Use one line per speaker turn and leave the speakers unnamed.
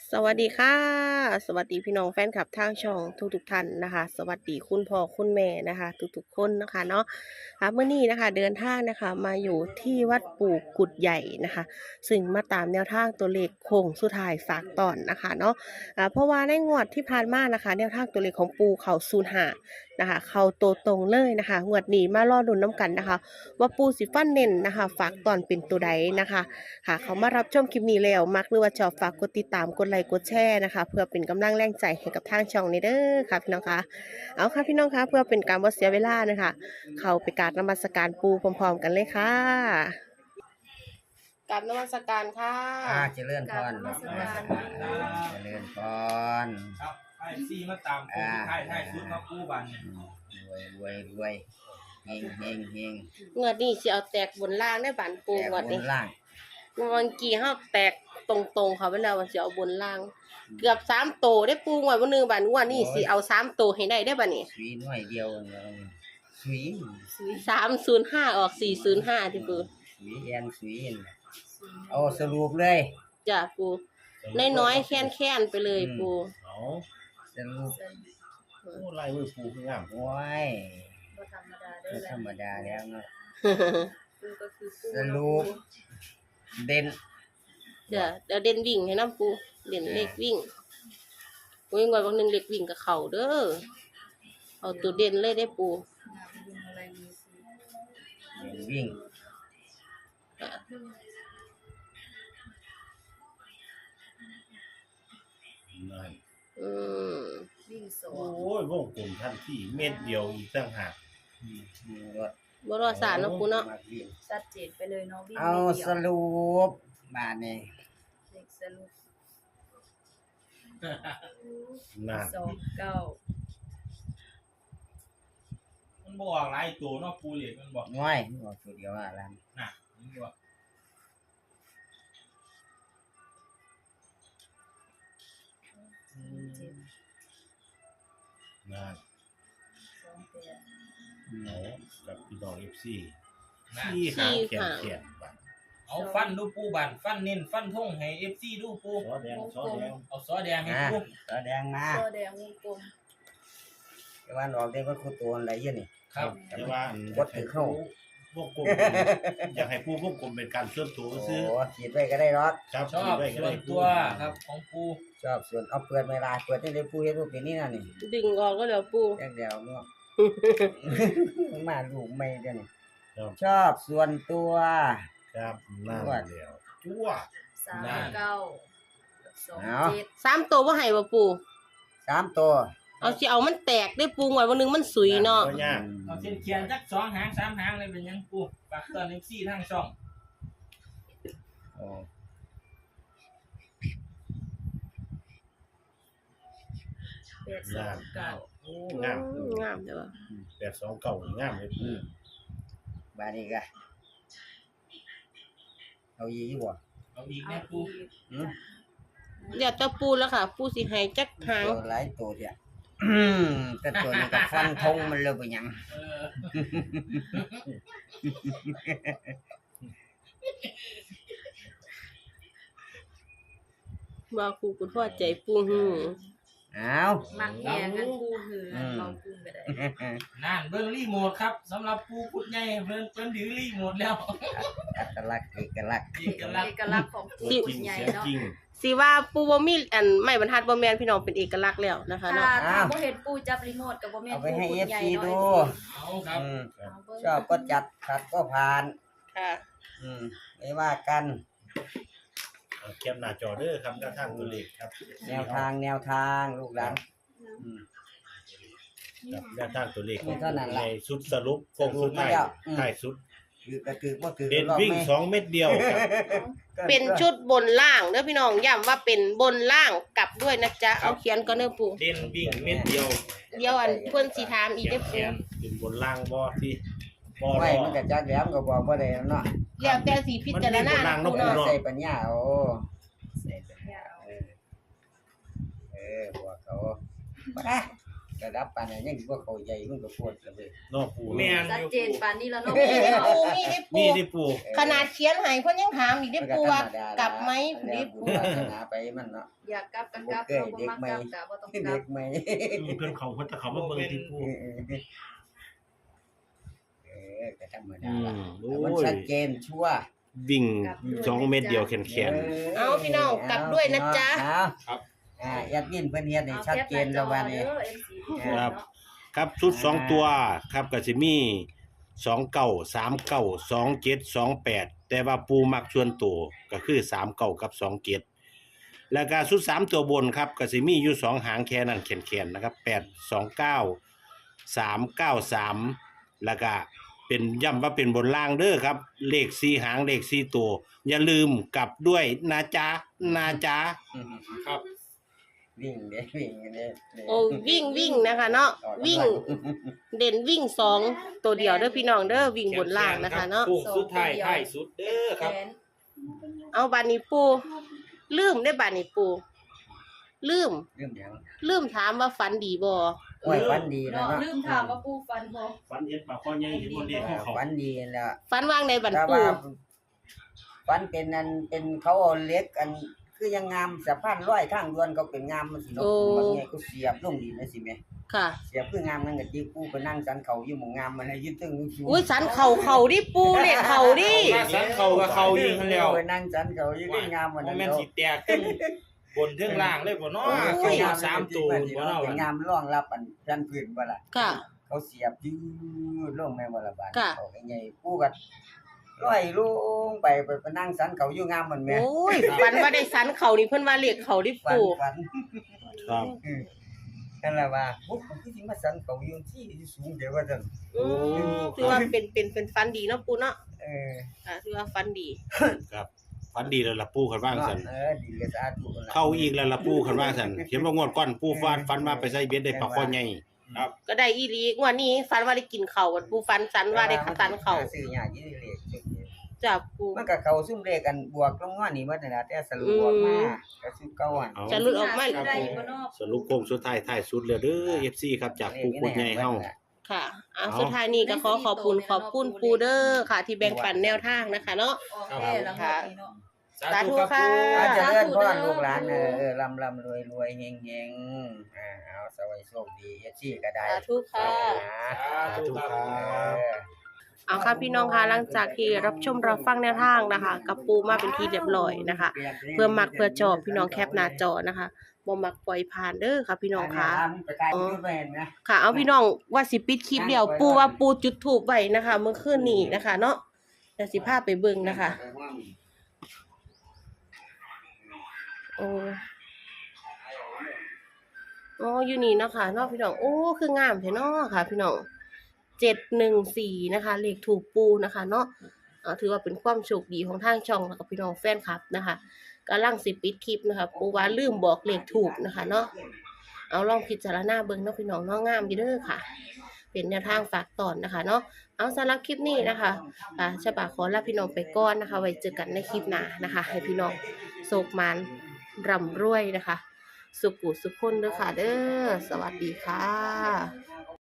สวัสดีค่ะสวัสดีพี่น้องแฟนคลับทางช่องทุกท่านนะคะสวัสดีคุณพ่อคุณแม่นะคะทุกคนนะคะเนาะค่ะเมื่อนี้นะคะเดินทางนะคะมาอยู่ที่วัดปู่กุดใหญ่นะคะซึ่งมาตามแนวทางตัวเลขโค้งสุดท้ายฝากตอนนะคะเนาะเพราะว่าในงวดที่ผ่านมานะคะแนวทางตัวเลขของปู่เขา05นะคะเขาโตตรงเลยนะคะงวดนี้มารอลุ้นน้ำกันนะคะว่าปู่สิฟันเน้นนะคะฝากตอนเป็นตัวใดนะคะค่ะเขามารับชมคลิปนี้แล้วมักหรือว่าชอบฝากกดติดตามกดไลค์กดแชร์นะคะเพื่อเป็นกำลังแรงใจให้กับทางช่องนี้เด้อค่ะพี่น้องคะเอาค่ะพี่น้องคะเพื่อเป็นการบ่เสียเวลานะคะเข้าไปกราบนมัสการปู่พร้อมๆกันเลยค่ะกราบนมัสการค่ะ
เจริญพร
กราบนมัสการ
เจริญพร
ครับไอ้ซีมาตามโค้งไทยชุดมาคู่บัน
รวยเฮง
งวดนี้สิเอาแตกบนล่างได้บานปู่งวด
บ
นี้
นล่าง
เมื่อกี้เฮาแตกตรงๆเขาไปแล้วว่าสิเอาบนล่าง เกือบ3โตได้ปู่งวดบ่นึงบานงวดนี้สิเอา3โตให้ได้บัดนี้
สวีน้อยเดียวสวี
305ออก405ที่ปู่
สวีแอนสวีเอาสรุปเลย
จ้ะปู่น้อยๆแค้นๆไปเลยปู่
เอา
สรุป
โอ้ลายมือปูคืองาม
โอ้ย
บ่ธรรมดาเด้
ก็
อ
ธรรมดาแล้วเนาะ
ปูก็คือปู
สรุปเด่น
เดี๋ยวเด่นวิ่งให้น้ำปูเด่นเลขวิ่งวิ่งไว้บางหนึงเลขวิ่งกับเขาเด้อเอาตัวเด่นเลยได้ปู
งามยิ่งอะไรมือปู
เด่นวิ่ง
อ่ะ
นั่น
อืม
วิ่งสอ
โอ้
ง
ยวงกลมทันที่เม็ดเดียวอีกตั้งหาก
รถ
บ่รอสารเนาะปูเนาะ
มาวิ่ง
ชัดเจนไปเลยเนาะวิ่ง
เอา
ไม่เดี
ส
ยว
รุปบาทนี่
เด็กสรุป
น่ะ
29
มันบอกหลายตัวเนาะปูเหล็กมันบอก
น้อยบอกตัวเดียวอะไร
น่ะมันบอก
7
น่ะ
28
เอากับพี่น้อง FC
สี่
ที่หางแข
หาง
นแขนบันเอาฟันดูปูบันฟันเน้นฟันทงให้ FC ดูปู
ซอแดง
เอาซอแดงให้
อ่ะ
ปู
แสดงมา
ซอแดงวงกลม
แต่ว่าออกได้ว่าคู่ตัวอะไรเยอะนี่
ครับ
แต่
แต่
ว่า
ว่า
วัดถือเข้า
วงกลมอยากให้ปูวงกลมเป็นการส่วนตัว
โอ้
ซื้อ
ขีดไว้ก็ได้หรอก
ครับ
ชอบ
ได้ก็
ส่ว
ได้
นตัวครับของปู
ชอบส่วนเอาเปลือกเวลาเปิดได้เลยผู้เฮ็ดผู้เป็นนี่น่ะนี่
ดึงออกก็เดี๋ยวปู
แค่เดียวเนาะ มาลูกไม่เดี๋ยวนี้
ครับ
ชอบส่วนตัว
ครับนั่นแล้วจั่ว
39กับ27
3ตัวบ่ให้บ่ปู
3ตัว
เอาสิเอามันแตกได้ปูงวดบางหนึงมันสุยเนาะ
บ่ยาก
เอาเส้นเขียนจัก2หาง3หางเลยเป็นหยังปูฝากตอน FC ทางช่อง
โอ้
829
โอ้งาม
งามเด้อ
829งามเลย
อืมบาดนี้ก็เอาอีกบ่
เอาอีก
เอา
แม่ปู
อีก
อืม
เดี๋ยวจะปูแล้วค่ะ ปูสิให้จักหาง
ตัวหลายตัวเดียวแต่ตัวนี้ก็ฟันธงมันเลยบ่หยัง
เออ
ว่าครูคุณพ่อใจปูหือ
เอา
มักแย่กันปูหือเราปูก็ได้
นั่นเบิ่งรีโมทครับสำหรับปูพุดใหญ่เพิ่นถือรีโมทแล้ว
อัตลักษณ์เอกลักษณ์
เอกลักษ
เอ
ณ์
กลักษณ์ของปู
จริง
ใหญ่
เสียง
เนาะ
จริง
สิว่าปูบ่มีอันไม้บรรทัดบ่แม่นพี่น้องเป็นเอกลักษณ์แล้วนะคะ
ถ้า
เนาะ
ถ้าบ่เห็นปูจับรีโมทก็บ่แม่น
เอาไป
ปู
ให้
ปูใหญ่
FC
เนาะ
ดู
เอาครับ
อืม
เอาเบิ่ง
ชอบก็จัดขัดก็ผ่าน
ค่ะ
ไม่ว่ากัน
เอาแคปหน้าจอเด้อครับด้านทางตัวเลขครับ
แนวทางลูกหลานอืม
ครับด้านทางตัวเลข
มีเท่านั้นล่ะ
ในชุดสรุปโค้งสุดท้าย
สรุปมาแล้วอืม
ท้ายสุด
คือก็คือบ่คือ
เด่น
รอบ
วิ่ง
แม่
2 เม็ดเดียวครับ
เป็นชุดบนล่างเด้อพี่น้องย้ำว่าเป็นบนล่างกลับด้วยนะจ๊ะเอาเขียนก่อนเด้อปู
เด่นวิ่งเม็ดเดียว
เดี๋ยวอันเพิ่นสิถามอีก
แข
เด้อน
แข
ปู
นเป็นบนล่างบ่ที่บ่
ไว้
รอ
มันก็จักแหลมก็บอกบ่ได้เนาะ
แล้วแต่สิพิจารณา
มันมีบนล่างเนาะ
ปูเนาะ
เนาะ
ใส่ปัญญาโอ้
ใส่ปัญญาเอา
บอกเขาไประดับปานนั้นยังบ่เข้าใจมันก็ปวดเลย
เนาะปู
แม่น
ชัดเจนปานนี้แล้วเนาะ
มีได้ปูมีได้
มี
ปู
ได้ปู
ขนาดเขียนให้เพิ่นยังถามอีกได้ปูว่ากลับไหม
เรี
ได้
ยก
ปู
ปูวาสนาไปมันเนาะ
อยากกลับกันกลับเราบ่มักกลับก็บ่ต้องกลั
เด็
บ
กใหม่
เพิ่นเขาเพิ่นจะเขามาเบิ่งที่ปู
ก็ธรรม
อื
ดาม ล่ะ
โอ้
มัน
ย
ชัดเจนชัวร์
วิ่ง2 เม็ดเดียวแขน
เอาพี่น้องกลับด้วยนะจ๊ะ
ครับยัดยินเพิ่นเฮ็ดให้ชัดเจนแล้ววันนี้
ครับครับชุด2ตัวครับก็สิมี29 39 27 28แต่ว่าปูมักชวนตัวก็คือ39กับ27แล้วก็ชุด3ตัวบนครับก็สิมีอยู่2หางแค่นั้นแขนๆนะครับ829 393แล้วก็เป็นย้ำว่าเป็นบนล่างเด้อครับเลข4หางเลข4ตัวอย่าลืมกลับด้วยนะจ๊ะนะจ๊ะ
ครับ
วิ่งเด้วิ่งเด้
โอ้วิ่งนะคะเนาะวิ่งเด่นวิ่ง2ตัวเดียวเด้อพี่น้องเด้อวิ่งบนล่างนะคะเนาะ
โค้งสุดท้ายท้ายสุดเด้อครับ
เอาบานี้ปูลืมได้บานี้ปูลืม
เรื่องหยัง
ลืมถามว่าฝันดีบ่
โอ้ยฝันดีแล้ว
เนาะ
เนาะ
ลืมถามว่าปูฟันบ่
ฝันเห็นปลาข้อใหญ่เห็นบ่เลขของเขา
ฝันดีแล้ว
ฝันว่างในบัน
แต่
ปู
ว่าฝันเป็นอันเป็นเขาเอาเหล็กอันคือยังงามสะพานร้อยข้างด่วนเขาเป็นงามมันสิเนาะบางแง่ก็เสียบลงดินนะสิแม่
ค่ะ
เสียบคืองามนั่นก็ติกูไปนั่งสันเขาอยู่หมู่งามมันให้ยึดตึงสูง
อุ้ยสันเข่าดิปูเลขเข่าดิ
มาสันเขากับเขายิงกันแล้ว
ไปนั่งสันเขาอยู่คืองามมัน
บ่
นั่น
แม่น
เนาะ
สิแตกขึ้นบนเทิงล่างเลยบ่เนาะคือยาม3ตัวบ่เนาะ
เป็นงามรองรับอันแผ่นพื้นบ่ล่ะ
ค่ะ
เขาเสียบยืดลงแม่บ่ล่ะบาด
ค่ะ
เขาใหญ่กูก็ร้อยลงไปนั่งสันเขาอยู่งามมันแม่
โอ้ยฝันว่าได้สันเข่านี่เพิ่นว่าเลขเข่าดิ
ฝัน
ปู
ฝัน
ครับ
นั่นแหละว่าพวกคือสิมาสันเขาอยู่ที่สูงเดี๋ยวว่าซั่น
ถือว่าเป็นฝันดีเนาะปูเนาะ
เออ
ถือว่าฝันดี
ครับฝันดีแล้วล่ะปูคันว่างซั่น
ดีเลยสาธุ
เข้าอีกแล้วล่ะปูคันว่างซั่นเห็นว่างวดก่อนปูฝันมาไปใส่เบ็ดได้ปลาข้อใหญ่
ก็ได้อีหลีงวดนี้ฝันว่าได้กินเข่าปูฝันสันว่าได้สันเข่า
ซื้อยากยี่เลขสุดเดียว
จ้ะปู
มันก็เข้าซุ่มเลขกันบวกลงมานี่มันน่ะแต่สรุปออกมาก็สุดเก่าอ่ะ
เอา
จะหลุดออกมา
ได้อยู่บ่เนาะ
สรุปโค้งสุดท้ายท้ายสุดแล้วเด้อ FC ครับจากปูกุดใหญ่เฮา
ค่ะสุดท้ายนี้ก็ขอบคุณปูเดอร์ค่ะ ที่แบ่งปันแนวทางนะคะเนาะ
ออกแค่ละงวดนี้เนาะ
สาธุครับ
อาจจะ
สาธุ
เลื่อนพ่อ
เด้อ
ลูกหลานลำรวยเฮงเอาสวัสดีโชคดีซี่ก็ได้
สาธุค่ะ
สาธุครับ
เอาค่ะพี่น้องคะหลังจากที่รับชมรับฟังแนวทางนะคะ กับปูมาเป็นทีเรียบร้อยนะคะ เพื่อมักเพื่อจอบพี่น้องแคปหน้าจอนะคะบ่มักปล่อยผ่านเด้อค่ะพี่น้องคะ
ไปถ่ายรูปไปเห็นนะ
ค่ะเอาพี่น้องว่าสิปิดคลิปเดียวปูว่าปูจุดถูกไว้นะคะ เมื่อคืนนี้นะคะ เนาะเดี๋ยวสิพาไปเบิ่งนะคะโอ้อยู่นี่เนาะค่ะเนาะพี่น้องโอ้คืองามแท้เนาะค่ะ พี่น้อง714นะคะเลขถูกปูนะคะ เนาะถือว่าเป็นความโชคดีของทางช่องแล้วก็พี่น้องแฟนคลับนะคะกำลังสิปิดคลิปนะคะปูว่าลืมบอกเลขถูกนะคะ เนาะเอาลองพิจารณาเบิ่งเนาะพี่น้องเนาะงามอยู่เด้อค่ะ เป็นแนวทางฝากตอนนะคะ เนาะเอาสำหรับคลิปนี้นะคะฉบับขอลาพี่น้องไปก่อนนะคะ ไว้เจอกันในคลิปหน้านะคะ ให้พี่น้องโศกมันร่ำรวยนะคะ สุขุสุขคนเด้อค่ะเด้อสวัสดีค่ะ